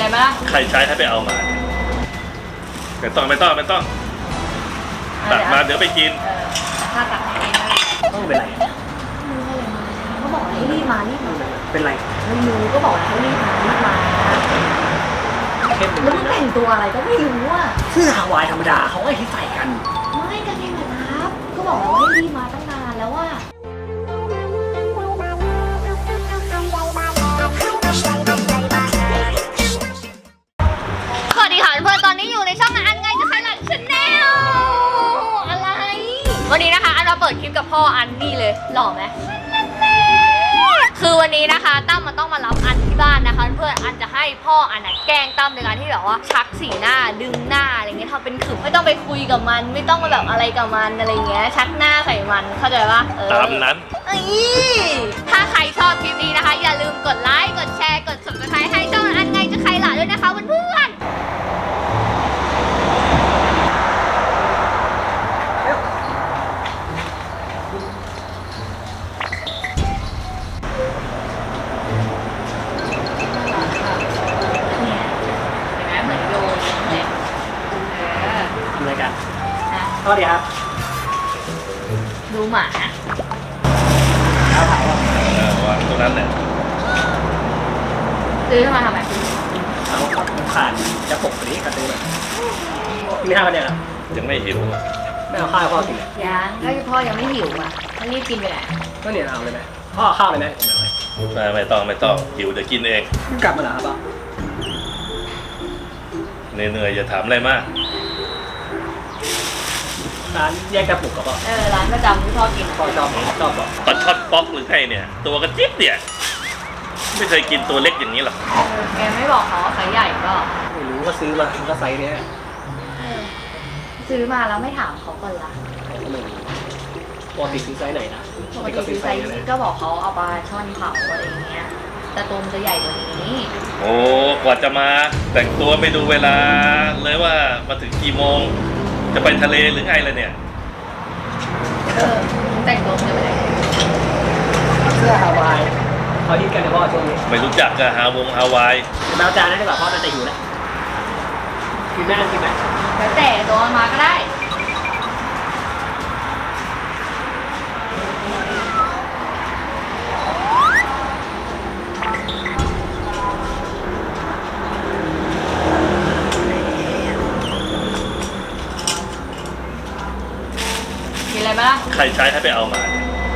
ไหมล่ะใครใช้ให้ไปเอามาไม่ต้องตักมาเดี๋ยวไปกินถ้าตักเองต้องเป็นไรมือเลยมาเขาบอกให้รีบมาเป็นไรไม่รู้ก็บอกให้รีบมาแล้วมันแต่งตัวอะไรก็ไม่รู้อ่ะเสื้อฮาวายธรรมดาเขาให้ที่ใส่กันไม่กางเกงแบบนั้นก็บอกแล้วว่าให้รีบมาตั้งนานแล้วว่าสวัสดีค่ะเพื่อนตอนนี้อยู่ในช่องอันไงจะใครหลังชาแนลอะไรวันนี้นะคะอันมาเปิดคลิปกับพ่ออันนี่เลยหล่อไหมคือวันนี้นะคะตั้มมันต้องมารับอันที่บ้านนะคะเพื่อนอันจะให้พ่ออันแกล้งตั้มในการที่แบบว่าชักสีหน้าดึงหน้าอะไรเงี้ยทำเป็นขึมไม่ต้องไปคุยกับมันไม่ต้องมาแบบอะไรกับมันอะไรเงี้ยชักหน้าใส่มันเข้าใจปะตามนั้นถ้าใครชอบคลิปนี้นะคะอย่าลืมกดไลค์กดแชร์กด Subscribe ให้ช่องอันไงจะใครหล่ะด้วยนะคะเพื่อนสวัสดีครับดูหมาเอาเผาวางตรงนั้นแหละซื้อมาทำไมเอาครับขาดจะปกนี้กระตือเลยกินข้าวกันยังครับยังไม่หิวไม่เอาข้าวพ่อกินเลยยังก็พ่อยังไม่หิวอ่ะถ้ารีบกินไปไหนก็เนี่ยเอาเลยไหมพ่อข้าวเลยไหมผมไม่ต้องหิวเดี๋ยวกินเองกลับมาหรอครับพ่อเหนื่อยอย่าถามอะไรมากร้านแยกกระปุกกับพ่อร้านประจำที่พ่อกินพ่อชอบบอกปลาช่อนป๊อกหรือไงเนี่ยตัวกระจิ๊บเนี่ยไม่เคยกินตัวเล็กอย่างนี้หรอกแกไม่บอกเขาว่าไซส์ใหญ่ก็ไม่รู้ก็ซื้อมาก็ไซส์เนี้ยซื้อมาแล้วไม่ถามเขาก่อนละปกติซื้อไซส์ไหนนะปกติซื้อไซส์ก็บอกเขาเอาปลาช่อนเผาอะไรอย่างเงี้ยแต่ตัวมันจะใหญ่กว่านี้โอ้กว่าจะมาแต่งตัวไม่ดูเวลาเลยว่ามาถึงกี่โมงจะไปทะเลหรือไงล่ะเนี่ยแต่งตัวจะไปไหนเสื้อฮาวายเขาฮิตกันในพ่อช่วงนี้ไม่รู้จักกับฮาวายแมวจานนั่นดีกว่าพ่อน่าจะหิวแล้วกินไหมแล้วแต่ตัวมาก็ได้ใครใช้ให้ไปเอามา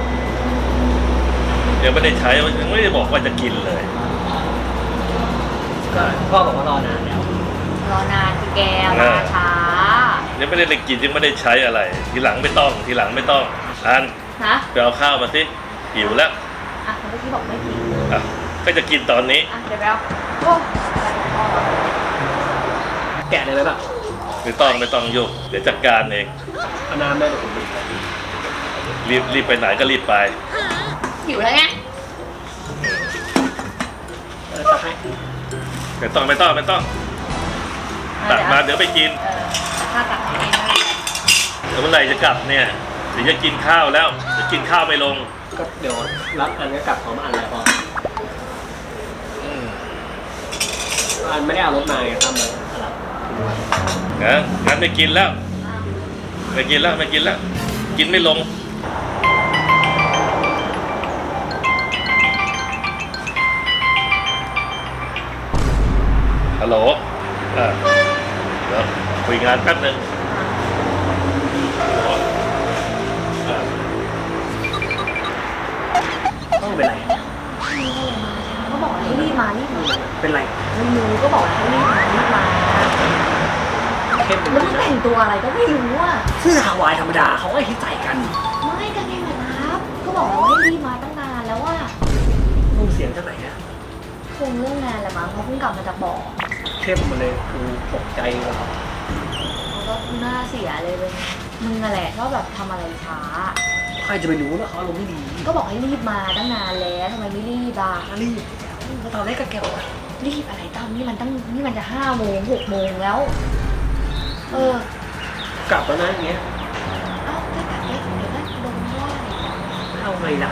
ยังไม่ได้ใช้ยังไม่ได้บอกว่าจะกินเลยก็พ่อบอกว่ารอนานแล้วรอนานคือแกมาช้ายังไม่ได้กินยังไม่ได้ใช้อะไรทีหลังไม่ต้องอันไปเอาข้าวมาสิหิวแล้วเมื่อกี้บอกไม่กินก็จะกินตอนนี้เดี๋ยวไปเอาโอ้แกะเลยไหมแบบไม่ต้องยกเดี๋ยวจัดการเองเอาน้ำได้รีบไปไหนก็รีบไปหิวแล้วไงตักให้ไม่ต้องตักมาเดี๋ยวไปกินถ้าตักเองแล้วเมื่อไหร่จะกลับเนี่ยเดี๋ยวจะกินข้าวแล้วจะกินข้าวไม่ลงก็เดี๋ยวรับอันก็กลับพร้อมอันแล้วพออันไม่ได้เอารถมาไงทำเลยงั้นไม่กินแล้วกินไม่ลงฮัลโหลเดี๋ยวคุยงานแป๊บนึงต้องเป็นไรเขาบอกให้รีบมาเป็นไรไม่รู้ก็บอกให้รีบมาแล้วมันแต่งตัวอะไรก็ไม่รู้อ่ะเสื้อฮาวายธรรมดาเขาให้ที่ใส่กันไม่กางเกงแบบนั้นก็บอกแล้วว่าให้รีบมาตั้งนานแล้วว่ามึงเสียงจากไหนเนี่ยคงเรื่องงานแหละมั้งเขาเพิ่งกลับมาจากบ่อเข้มมาเลยกูตกใจเลยเขาก็หน้าเสียเลยมึงอะไรก็แบบทำอะไรช้าใครจะไปรู้ว่าเขาอารมณ์ไม่ดีก็บอกให้รีบมาตั้งนานแล้วทำไมไม่รีบรีบก็ตอนแรกก็แกบอกรีบอะไรตั้มนี่มันจะ5 โมง 6 โมงแล้วกลับแล้วนะอย่างเงี้ยถ้ากลับเดี๋ยวก็โดนว่าเอาไงล่ะ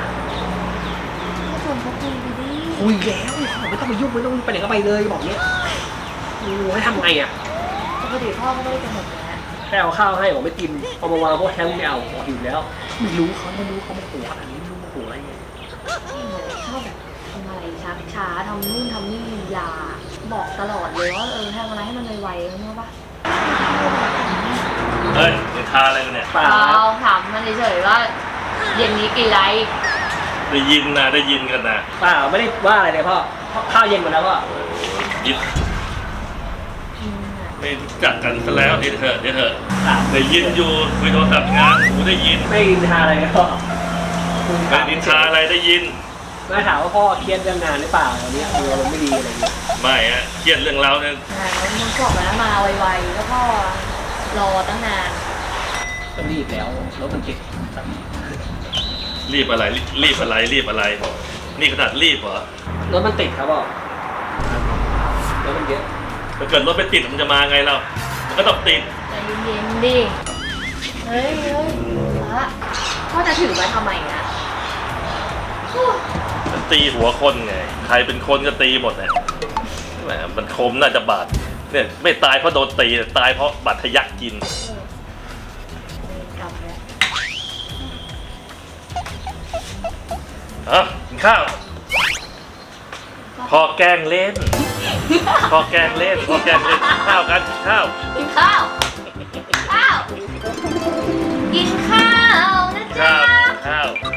ก็ชวนเขาคุยไปดิคุยแล้วไม่ต้องไปยุ่งไม่ต้องไปไหนก็ไปเลยบอกเนี้ยให้ทำไงอ่ะปกติพ่อก็ไม่ได้กำหนดนะแค่เอาข้าวให้บอกไม่กินเอามาวางพวกแทงไม่เอาบอกหิวแล้วไม่รู้เขาโมโหอะไรไม่รู้โมโหอะไรเงี้ยชอบแบบทำอะไรช้าทำนู่นทำนี่อย่าบอกตลอดเลยว่าทำอะไรให้มันไวๆรู้ป่ะเฮ้ยนินทาอะไรกันเนี่ยเปล่าเราถามมันเฉยๆว่าเย็นนี้กินอะไรได้ยินนะได้ยินกันนะเปล่าไม่ได้ว่าอะไรเลยพ่อข้าวเย็นหมดแล้วพ่อยินไม่รู้จักกันซะแล้วเดี๋ยวเถอะเดี๋ยวเถอะครับได้ยินอยู่คุยโทรศัพท์งานหูได้ยินไม่นินทาอะไรเลยพ่อไม่นินทาอะไรได้ยินไม่ถามว่าพ่อเครียดเรื่องงานหรือเปล่าวันนี้คืออารมณ์ไม่ดีอะไรอย่างเงี้ยไม่ฮะเครียดเรื่องเราเนี่ยมึงบอกแล้วมาไวๆแล้วก็รอตั้งนานก็รีบแล้วรถมันติดรีบอะไรรีบอะไรรีบอะไร นี่ขนาดรีบเหรอรถมันติดครับพ่อรถมันเยอะถ้าเกิดรถไม่ติดมันจะมาไงเรามันก็ต้องติดใจเย็นๆดิเฮ้ยละพ่อจะถือมาทำไมนะมันตีหัวคนไงใครเป็นคนก็ตีหมดเลยแหมมันคมน่าจะบาดเนี่ยไม่ตายเพราะโดนตีตายเพราะบาดทะยักกินกลับแล้วกินข้าวพอแกล้งเล่นพอแกล้งเล่นพอแกล้งเล่นกินข้าวกันกินข้าวกินข้าวข้าวกินข้าวนะกินจ๊ะข้าวกิน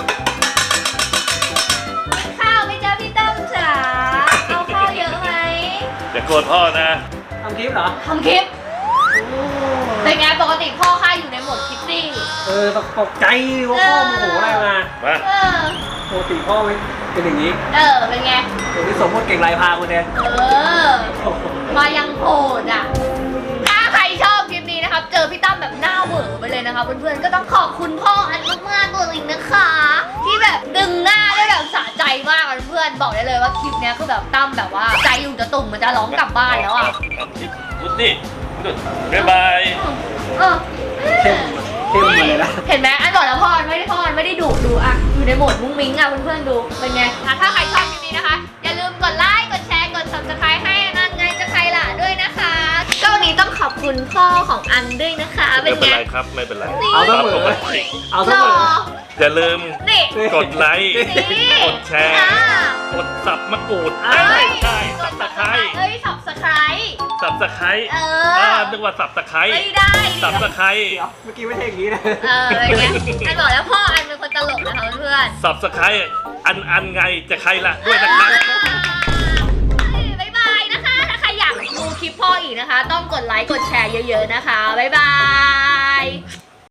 ข้าวข้าวไหมจ๊ะพี่ตั้มจ๋าเอาข้าวเยอะไหมอย่าโกรธพ่อนะทำคลิปเหรอทำคลิปเป็นไงปกติพ่อข้าอยู่ในโหมดคิดซิ่งตกใจว่าพ่อโมโหอะไรมามาเออปกติพ่อไม่เป็นอย่างนี้เป็นไงเดี๋ยวนี้สมมติเก่งลายพาคุณเนี่ยมายังโหดอ่ะ ถ้าใครชอบคลิปนี้นะครับ เจอพี่ตั้มแบบหน้าเหวอไปเลยนะคะเพื่อนๆ ก็ต้องขอบคุณพ่ออันมากๆเลยนะคะ ที่แบบดึงหน้าได้แบบสะใจมากอะเพื่อนๆ บอกได้เลยว่าคลิปเนี้ยคือแบบตั้มแบบว่าใจอยู่จะตุ่มมันจะร้องกลับบ้านแล้วอ่ะดูสิดูบ๊ายบายเออเข้มมาเลยนะเห็นไหมอันบอกแล้วพ่อไม่ได้ดุดูอ่ะอยู่ในโหมดมุ้งมิ้งอ่ะเพื่อนๆดูเป็นไงถ้าใครชอบคลิปนี้นะคะ อย่าลืมกดไลค์กดแชร์กด subscribe ให้อันไงจะใครล่ะด้วยนะคะก็วันนี้ต้องขอบคุณพ่อของอันด้วยนะคะเป็ไม่นเป็นไงไรครับไม่เป็นไรเอาเสมอปกติเอาเสรมอออย่าลืมนี่กดไลค์นี่กดแชร์อ่ากดสับมะกรูดเอ้ยใช่สับตะไคร้เอ้ย subscribe สับตะไคร้เออนึกว่าสับตะไคร้ไม่ได้สับตะไคร้เดี๋ยวเมื่อกี้ไม่ใช่อย่างนี้นะเป็นไงอันบอกแล้วพ่ออันเป็นคนตลกนะคะเพื่อนสับตะไคร้อันไงจะใครล่ะด้วยนะครับบ๊ายบายนะคะ ถ้าใครอยากดูคลิปพ่ออีกนะคะ ต้องกดไลค์ กดแชร์เยอะๆนะคะ บ๊ายบาย